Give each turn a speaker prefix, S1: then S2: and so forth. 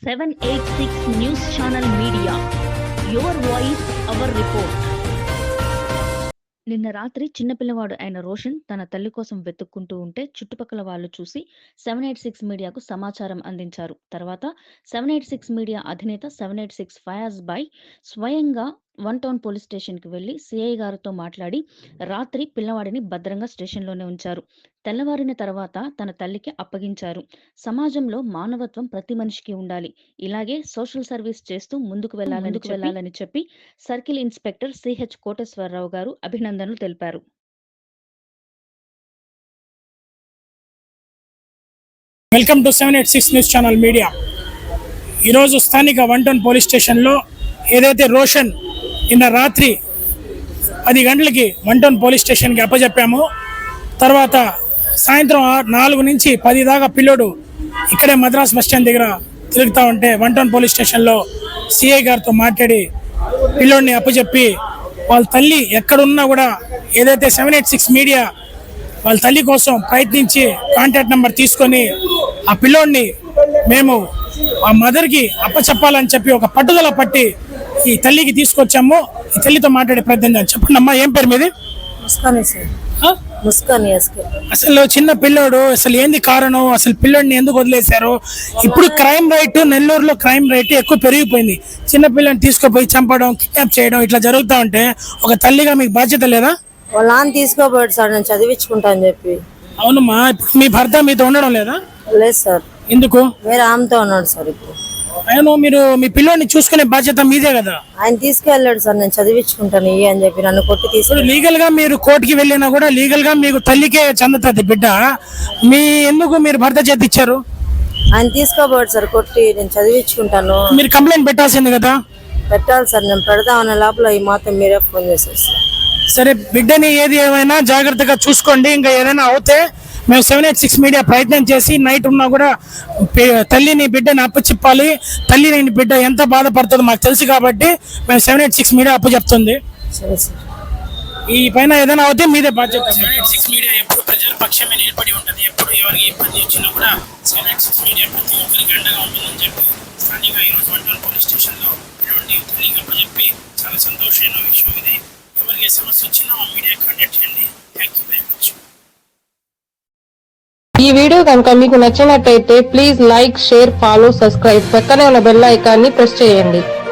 S1: 786 News Channel Media. Your voice, our report. నిన్న రాత్రి చిన్నపిల్లవాడు అయిన రోషన్ తన తల్లి కోసం వెతుక్కుంటూ ఉంటే చుట్టుపక్కల వాళ్ళు చూసి 786 మీడియాకు సమాచారం అందించారు. తర్వాత 786 మీడియా అధినేత 786 ఫయాజ్ బాయ్ స్వయంగా వన్ టౌన్ పోలీస్ స్టేషన్కి వెళ్లి సిఐ గారితో మాట్లాడి రాత్రి పిల్లవాడిని భద్రంగా స్టేషన్లోనే ఉంచారు. తెల్లవారిన తర్వాత తన తల్లికి అప్పగించారు. సమాజంలో మానవత్వం ప్రతి మనిషికి ఉండాలి, ఇలాగే సోషల్ సర్వీస్ చేస్తూ ముందుకు వెళ్ళాలని చెప్పి circle inspector CH Koteswararao garu అభినందనలు తెలిపారు.
S2: Welcome to 786 news channel media. ఈరోజు స్థానిక వన్ టౌన్ పోలీస్ స్టేషన్లో ఏదైతే రోషన్ నిన్న రాత్రి 10 గంటలకి వన్ టౌన్ పోలీస్ స్టేషన్కి అప్పచెప్పామో, తర్వాత సాయంత్రం 4 నుంచి 10 దాకా పిల్లోడు ఇక్కడే మద్రాస్ బస్ స్టాండ్ దగ్గర తిరుగుతూ ఉంటే వన్ టౌన్ పోలీస్ స్టేషన్లో సిఐ గారితో మాట్లాడి పిల్లోడిని అప్పచెప్పి వాళ్ళ తల్లి ఎక్కడున్నా కూడా ఏదైతే 786 మీడియా వాళ్ళ తల్లి కోసం ప్రయత్నించి కాంటాక్ట్ నెంబర్ తీసుకొని ఆ పిల్లోడిని మేము ఆ మదర్కి అప్పచెప్పాలని చెప్పి ఒక పట్టుదల పట్టి ఈ తల్లికి తీసుకొచ్చాము. ఈ తల్లితో మాట్లాడే ప్రయత్నం చెప్పండి అమ్మా, ఏం పేరు మీది? అసలు చిన్న పిల్లోడు, అసలు ఏంది కారణం, అసలు పిల్లోడిని ఎందుకు వదిలేశారు? ఇప్పుడు క్రైమ్ రేట్ నెల్లూరులో క్రైమ్ రేట్ ఎక్కువ పెరిగిపోయింది. చిన్న పిల్లని తీసుకుపోయి చంపడం, కిడ్నాప్ చేయడం ఇట్లా జరుగుతూ ఉంటే ఒక తల్లిగా మీకు బాధ్యత లేదా?
S3: వాళ్ళ నాన్న తీసుకోబోడు సార్, నేను చదివించుకుంటా అని చెప్పి.
S2: అవునమ్మా, ఇప్పుడు మీ భర్త మీతో ఉండడం లేదా?
S3: లేదు సార్.
S2: ఎందుకు?
S3: వేరే ఆమెతో ఉన్నాడు సార్. ఇప్పుడు
S2: ఆయన మీరు మీ పిల్లోడిని చూసుకునే బాధ్యత మీదే కదా.
S3: ఆయన తీసుకెళ్ళాడు సార్, నేను చదివించుకుంటాను అని చెప్పి నన్ను కొట్టి తీసుకుని.
S2: లీగల్ గా మీరు కోర్టుకి వెళ్ళినా కూడా లీగల్ గా మీకు తల్లికే చెందుతుంది బిడ్డ. ఎందుకు మీరు భర్త చేతి ఇచ్చారు?
S3: ఆయన తీసుకోబోడు సార్, కొట్టి నేను చదివించుకుంటాను.
S2: మీరు కంప్లైంట్ పెట్టాల్సింది కదా.
S3: పెట్టాలి సార్, నేను పెడదామనే లోపల ఈ మాత్రం మీరే ఫోన్ చేశారు సార్.
S2: సరే, బిడ్డని ఏది ఏమైనా జాగ్రత్తగా చూసుకోండి. ఇంకా ఏదైనా అవుతే మేము 786 మీడియా ప్రయత్నం చేసి నైట్ ఉన్నా కూడా తల్లిని బిడ్డని అప్పచెప్పాలి. తల్లిని బిడ్డ ఎంత బాధపడుతుందో మాకు తెలుసు కాబట్టి మేము 786 మీడియా అప్పచెప్తుంది.
S3: సరే సార్,
S2: ఈ పైన ఏదైనా అవుతే మీదే బాధ్యత. 786 మీడియా ఎప్పుడు ప్రజల పక్షమే నిలబడి ఉంటుంది. ఎప్పుడు ఎవరికి ఇబ్బంది వచ్చినా కూడా 786 మీడియా ప్రతి ఒక్కరికి అండగా ఉంటుందని చెప్పి స్థానిక ఈరోజు వన్ టౌన్ పోలీస్ స్టేషన్లో తల్లికి అప్పచెప్పి చాలా సంతోషమైన విషయం ఇది. ఎవరికి సమస్య వచ్చినా మా మీడియా కాంటాక్ట్ చేయండి. Thank you very much.
S4: ఈ వీడియో కనుక మీకు నచ్చినట్టయితే please like, share, follow, subscribe. పక్కనే ఉన్న బెల్ ఐకాన్ని ప్రెస్ చేయండి.